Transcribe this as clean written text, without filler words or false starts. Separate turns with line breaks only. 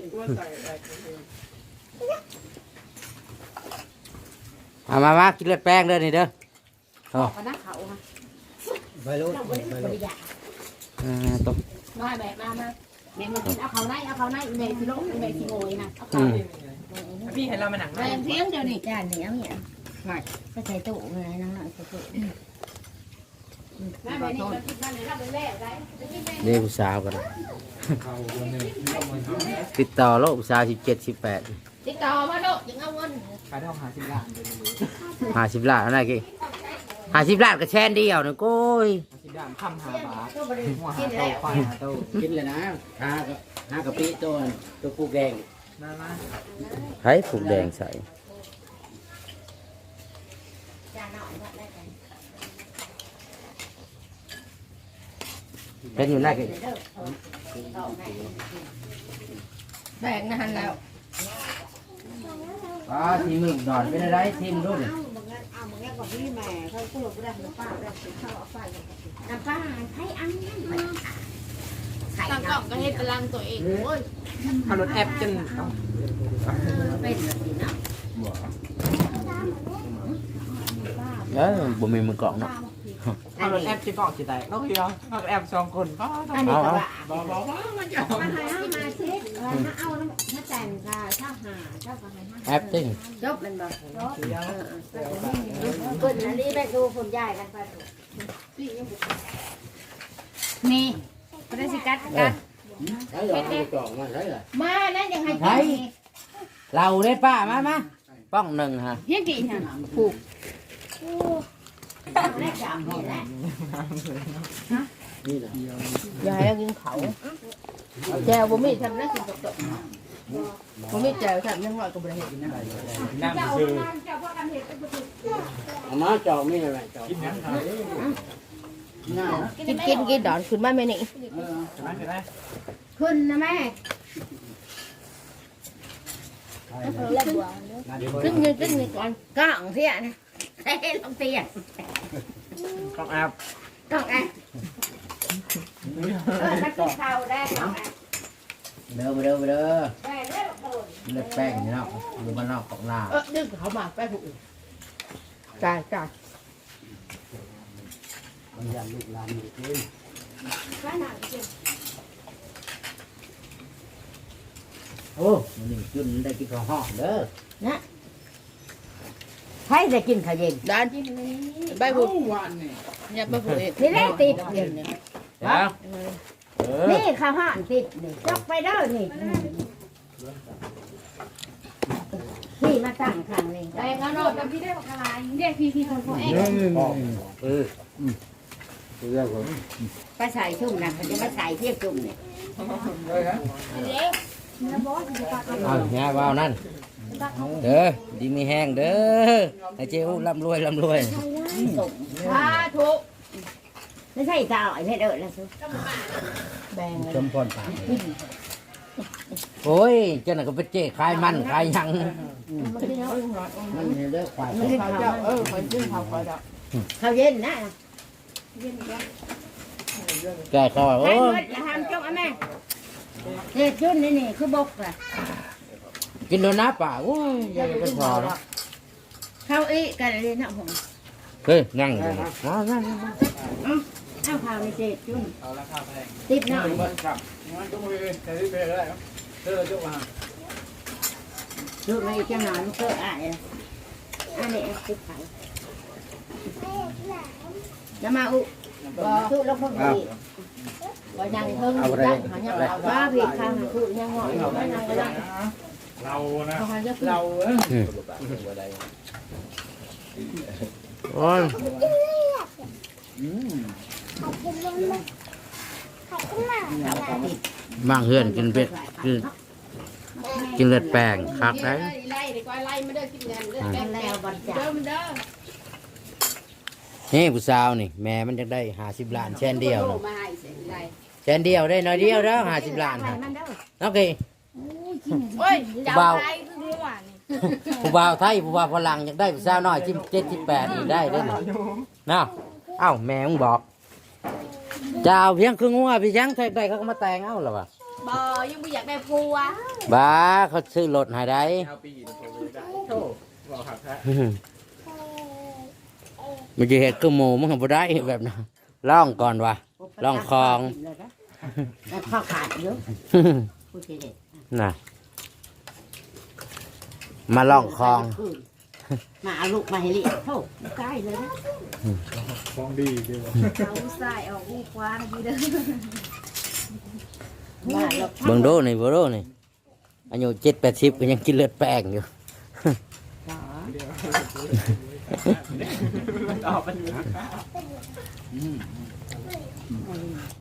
มากินเลือดแป้งเด้อนี่เด้อโอ้ไปรู้ตบ
น้อยแบบมาแม่มากินเอาเขาในแม่ที่ลงแม่ที่โงยนะเอาเขา
พี่ให้เรามาหนัง
แม่เที่ยงเดียวนี่
จานเหนียวเนี่ยก็ใส่ตู้เลยน้องหน่อยใส่ตู้
แม่แบบนี้มันกินมันเลยรับเป็นแร่ได้
เรียกผู้สาวกันติดต่อโลกผู้สาว17-18
ติดต่อมาโลยังเอาเงิน
ขายได้50 ล้าน
50 ล้านอะไรกี่50 ล้านก็แช่นเดียวนะโก้ย
50 ล้านคำ5 บาทหัวหา
กิน
โต
แล้ว
ควายหาโต
กินเลยนะหากะปิตัวปูแดง
มา
ให้ปูแดงใส่เป็นอยู่ไหนกี่
แบ่งนะฮันแล้ว
ทีมึงนอนเป็นอะไรทีมรุ่น
น้ำปลาไทยอันนี้
ตั้งกล่องก็ให้พลังตัวเองโอ้ย
เอารถแอปจน
เป็นแบบนี้นะ
บ่มีมือกล่องเนาะ
เอารถแอปจะเกาะจะแตกแล้วคือเอาแอป2 คนก็ต้อง
อันนี้ก็ว่า
บอกมันจะเอา
มาให้มาเช็ดเอาถ้าแต่งค่ะถ้าหาถ้าก็ให้
แอปติ้ง
จบมันบอกคนอันนี้ไปดูคนใหญ่กันไปนี่ก็ได้สิกัดกันมานั่นยังให้
เราได้ป้ามาป้องหนึ่งฮะ
เฮียกี่ฮะผูกแรกจำเห็นแล้ว
ยายกินเขาแจวบ่มีทำได้กินตกบ่มีแจวทำยังหน่อยก็บ่ได้เห็นนะ
นั่งซื้อ
มาจอกมีอะไรจอก
กินยังไง
กินดอนขึ้นมาแม่นี่
ใช่ไหมใช่ไหม
ขึ้นนะแม่
ขึ้นนี่ก่อน
กล่องเสียนะเฮ้ยลงเตีย
ต้องแอป
กล่องไงถ้ากินข้าวได้กล่องไง
เด้อ
ได้เด้อ
เลือดแป้งนี่เนาะอยู่บ้านนอกของนา
ดึงเขามาไปผูกจ่าย
มันยันลูกหลานอยู่กินโอ้มันนี่กินได้กินข้าวห่อเด้อ
ให้ได้กินข้าวเย็น
ด้านไปผูกอย่าไปผูก
นี่ได้ติดเย็น
เดี๋ยว
นี่ข้าวห่านติดนี่จกไปเด้อนี่นี่มาตั้งข้างนี่
แต่งานโนดพี่ได้บอกอะไรเรียกพี่คนเขาเอง
เรื่องผม
ไปใส่ชุ่มนะเขาจะมาใส่เทียบชุ่มนี่
เอาแง่ว่าวนั่นเด้อดีมีแห้งเด้อไอ้เจ้าร่ำรวย
พาทุกไม่ใช่เจ้าไอ้เพชรเอิญนะซุ
แบ่ง
ชมพรผ่านโอ้ยเจ้าหน้าก็ไปเจ๊ขายมันขายยังมันเลือกควาย
ไม่ใช่ข้าว
คนชื่อเขาคอยดอก
ข้าวเย็นนะ
แกเขาว่า
ให้
โอ้
หมดอย่าทำจงอ่ะแม่เนี่ยชุ่นนี่คือบกอ่ะ
กินโดนน้าป่าโอ้ยยังเป็นพอแล้ว
ข้าวอีกันเลยนะผม
เฮ้ยนั่งอยู่นั่ง
ข้าวข้าวในเจ็ดชุ่น
เอาราคาแพง
ติดหน่อย
ครับงั้นก็มือแต่ที่เป็นอะไรครับเธอจุกมา
ชุ่นไม่เจ้าหน่อยมันเกิดอะไรอันนี้ติดไข่จะมาอุชุ่นแล้วพวกนี้
ว่ายังเพิ่งยังหายังเรา
ว่าผิดข้าวชุ่นยังหอยไม่นานก็ได้
เรานะ
เขาจะขึ้น
เรา
โอ้ยบางเฮือนกินเป็ดกินเลือดแป้งคักได้
ไล่ดีกว่าไล่ไม่ได้กินเงินเลือดแดง
แล้วบริจา
เดิ
ค
มเด้อ
นี่ผู้สาวนี่แม่มันจะได้50 ล้านแช่นเดียว
มาให้เสียงไร
แช่นเดียวได้น้อยเดียวแล้ว50 ล้าน
ไข่
ฮะ
มันเด้อ
โอเค
โอ้ยจับไรคือเมื่อวานนี่
ผู้บ่าวไทยผู้บ่าวฝรั่งอยากได้ผู้สาวน้อย17-18นี่ได้เด้อเนาะเอ้าแม่มึงบอกจะเอาเพียงครึ่งหัวพี่ยังได้เขาก็มาแต่งเอาหรอวะ
บ่ยังไม่อยากได้ผัว
บ้าเขาซื้อรถให้ได้
เอาปีนผมเลยได้โธ่บอกหักแท้
มันจะเห็ดคือหมูมันก็บ่ได้แบบนั้นล่องก่อนวะ ลองคลอง
แล้วข้าวขาดเยอะผู้เด็ด
น่ะมาล่องคลอง
มาเอาลูกมาให้เลี้ยงโธ่ใกล้เลยนะ
ของดีเด้อ
เอาใส่ออกอูกว้างดีเด้อ
มาหลบ
เบิ่งโดนี่เบิ่งโดนี่อายุ7-80ก็ยังกินเลือดแป้งอยู่
มันออกเป็น